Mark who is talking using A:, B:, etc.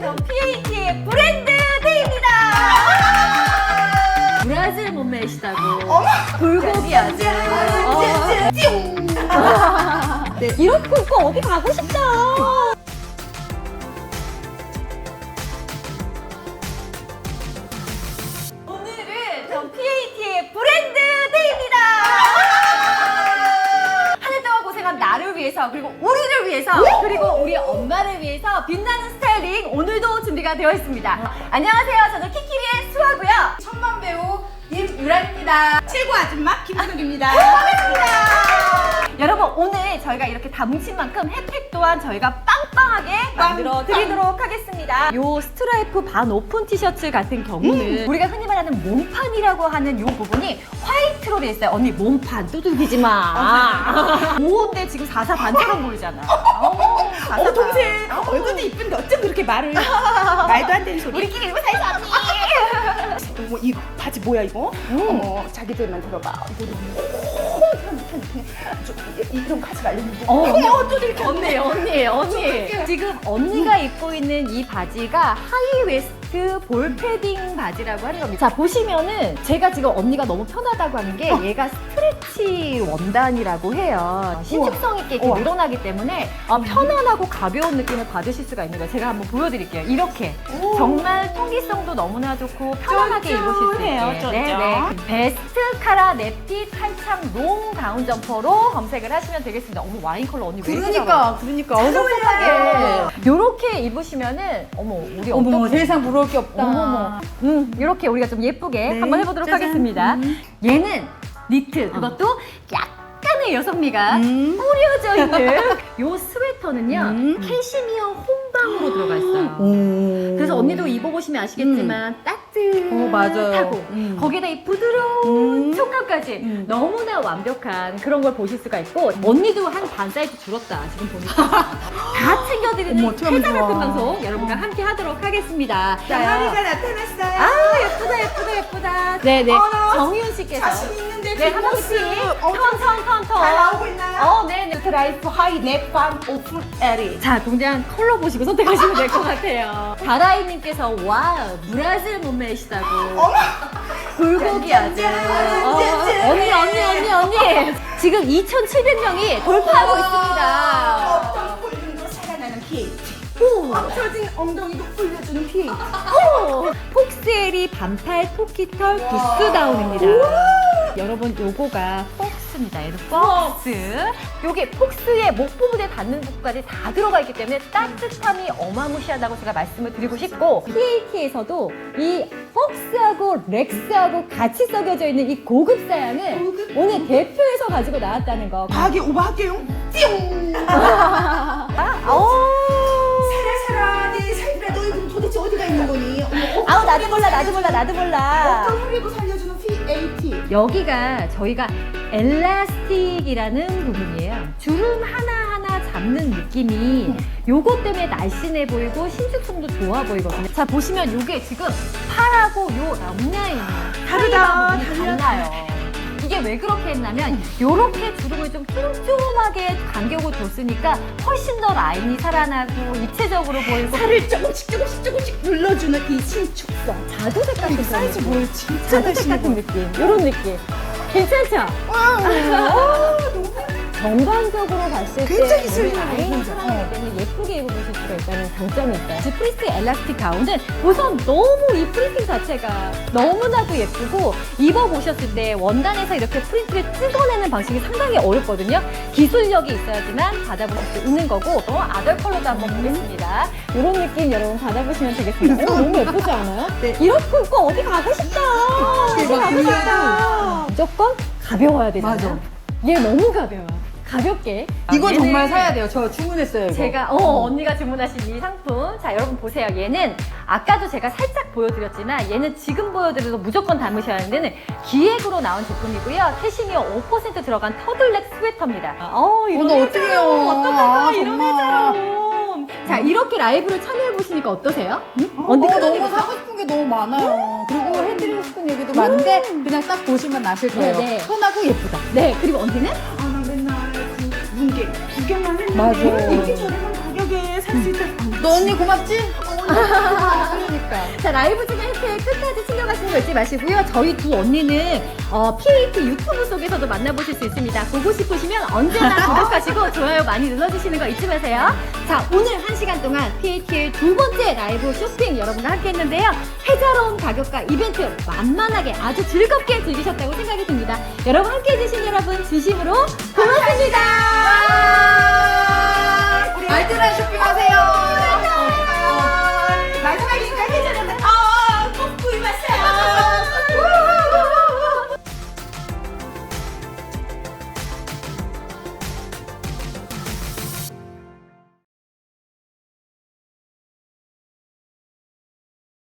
A: 전 PH의 브랜드 데이입니다. 브라질 몸매시다고. 불고기 아주. 네, 이렇게 입고 어디 가고 싶다. 오늘은 전 PH의 브랜드 데이입니다. 한 해 동안 고생한 나를 위해서, 그리고 우리를 위해서, 그리고 우리 엄마를 위해서 빛나는 스타일링 오늘도 준비가 되어 있습니다. 안녕하세요. 저는 키키리의 수아고요.
B: 천만 배우 임유란입니다. 최고 아줌마 김은욱입니다.
A: 반갑습니다. 여러분, 오늘 저희가 이렇게 다 뭉친 만큼 혜택 또한 저희가 빵빵하게 만들어 드리도록 하겠습니다. 요 스트라이프 반 오픈 티셔츠 같은 경우는 우리가 흔히 말하는 몸판이라고 하는 요 부분이 화이트로 돼 있어요. 언니 몸판 두들기지 마. 오인데 지금 4사 반처럼 보이잖아.
B: 동생 얼굴도 이쁜데 어쩜 그렇게 말을 말도 안 되는 소리.
A: 우리끼리 이거 사이즈 언니.
B: 어머 이 바지 뭐야 이거? 어머 자기들만 들어봐. 이거 이런 거 하지 말랬는데.
A: 또 이렇게 언니. 지금 언니가 입고 있는 이 바지가 하이 웨스트 볼 패딩 바지라고 하는 겁니다. 자, 보시면은 제가 지금 언니가 너무 편하다고 하는 게 얘가 스트레치 원단이라고 해요. 신축성 있게 이렇게 늘어나기 때문에 편안하고 가벼운 느낌을 받으실 수가 있는 거예요. 제가 한번 보여드릴게요. 이렇게 정말 통기성도 너무나 좋고 편안하게 입으실 수 있게. 네네. 베스트 카라 네피 탈착 롱 가운 점퍼로 검색을 하시면 되겠습니다. 어머, 와인 컬러 언니 왜 이렇게
B: 그러니까
A: 어색하게 요렇게 입으시면은 어머, 우리
B: 어머 세상 부러울 게 없다.
A: 어머머. 이렇게 우리가 좀 예쁘게
B: 네.
A: 한번 해보도록
B: 짜잔.
A: 하겠습니다. 얘는 니트, 그것도 약간의 여성미가 뿌려져 있는 요 스웨터는요 캐시미어 혼방으로 들어가 있어요. 그래서 언니도 입어보시면 아시겠지만 따뜻하고
B: 맞아요.
A: 거기에다 이 부드러운 촉감까지 너무나 완벽한 그런 걸 보실 수가 있고, 언니도 한 반 사이즈 줄었다 지금 보니까. 다 챙겨드리는
B: 어머, 어떡하면
A: 회자 같은
B: 좋아.
A: 방송 여러분과 함께 하도록 하겠습니다.
B: 나가리가 나타났어요.
A: 아, 예쁘다. 네네.
B: 어머,
A: 정희윤 씨께서.
B: 자신 있는데
A: 네, 한 번씩 턴.
B: 잘 나오고 있나요?
A: 네네.
B: 스트라이프 하이 넷밤 오픈 에리.
A: 자, 동장 컬러 보시고 선택하시면 될 것 같아요. 다라이님께서 와, 브라질 몸매시다고. 불고기 아주. 언니. 지금 2,700명이 돌파하고 있습니다.
B: 어떤 볼륨도 살아나는 PH.
A: 오.
B: 처진 엉덩이도 올려주는 PH.
A: 폭스에리 반팔 토끼털 부스다운입니다. 여러분, 요거가 폭스입니다. 얘는 폭스. 요게 폭스의 목 부분에 닿는 부분까지 다 들어가 있기 때문에 따뜻함이 어마무시하다고 제가 말씀을 드리고 싶고, PAT에서도 이 폭스하고 렉스하고 같이 썩여져 있는 이 고급 사양을 오늘 대표에서 가지고 나왔다는 거.
B: 과하게 오버할게요. 띠용. 살아 내 살이라 너희 그럼 도대체 어디가 있는 거니?
A: 아우, 나도 몰라.
B: 어떤 흐리고 살려주는 PAT.
A: 여기가 저희가 엘라스틱이라는 부분이에요. 주름 하나하나 잡는 느낌이 요것 때문에 날씬해 보이고 신축성도 좋아 보이거든요. 자, 보시면 요게 지금 팔하고 요 옆라인이
B: 다르다.
A: 달라요. 이게 왜 그렇게 했냐면 요렇게 주름을 좀 쫌쫌하게 간격을 줬으니까 훨씬 더 라인이 살아나고 입체적으로 보이고
B: 살을 조금씩 눌러주는 이 신축성.
A: 자두색 같은 그런
B: 사이즈
A: 느낌.
B: 뭘 진짜
A: 자두색
B: 날씬해
A: 같은
B: 보여.
A: 느낌. 요런 느낌. 괜찮죠? 전반적으로 봤을 때
B: 굉장히
A: 우리
B: 슬림해
A: 라인이
B: 보이죠?
A: 살아나기 때문에 예쁘게 입어보실 수가 있다는 장점이 있어요. 이 프리스 엘라스틱 가운은 우선 너무 이 프린팅 자체가 너무나도 예쁘고, 입어보셨을 때 원단에서 이렇게 프린트를 찍어내는 방식이 상당히 어렵거든요. 기술력이 있어야지만 받아보실 수 있는 거고, 아덜 컬러도 한번 보겠습니다. 이런 느낌 여러분 받아보시면 되겠습니다. 너무 예쁘지 않아요?
B: 네.
A: 이렇게 입고 어디 가고 싶다.
B: 대박이다.
A: 무조건 가벼워야 되잖아요.
B: 맞아.
A: 얘 너무 가벼워. 가볍게.
B: 이거
A: 얘는
B: 정말 사야 돼요. 저 주문했어요. 이거.
A: 제가 언니가 주문하신 이 상품, 자 여러분 보세요. 얘는 아까도 제가 살짝 보여드렸지만 얘는 지금 보여드려도 무조건 담으셔야 하는 데는 기획으로 나온 제품이고요. 캐시미어 5% 들어간 터들넥 스웨터입니다. 이런
B: 오늘 어떻게 해요?
A: 어떡하나 이런
B: 정말.
A: 회자로. 자, 이렇게 라이브를 참여해 보시니까 어떠세요?
B: 언니 너무 사고 싶은 게 너무 많아요. 그리고 해드리고 싶은 얘기도 많은데 그냥 딱 보시면 아실 거예요.
A: 네.
B: 편하고 예쁘다.
A: 네, 그리고 언니는
B: 아 나 맨날 그 문개 구경만 했는데
A: 맞아.
B: 이렇게 저렴한 가격에 살 너 언니 고맙지? 그러니까.
A: 자, 라이브 중에 이렇게 끝까지 챙겨가시는 거 잊지 마시고요. 저희 두 언니는 PAT 유튜브 속에서도 만나보실 수 있습니다. 보고 싶으시면 언제나 구독하시고 좋아요 많이 눌러주시는 거 잊지 마세요. 자, 오늘 1시간 동안 PAT의 두 번째 라이브 쇼핑 여러분과 함께 했는데요. 혜자로운 가격과 이벤트 만만하게 아주 즐겁게 즐기셨다고 생각이 듭니다. 여러분 함께 해주신 여러분 진심으로 고맙습니다.
B: 알뜰한 쇼핑하세요.
A: 마지막이니까 혜자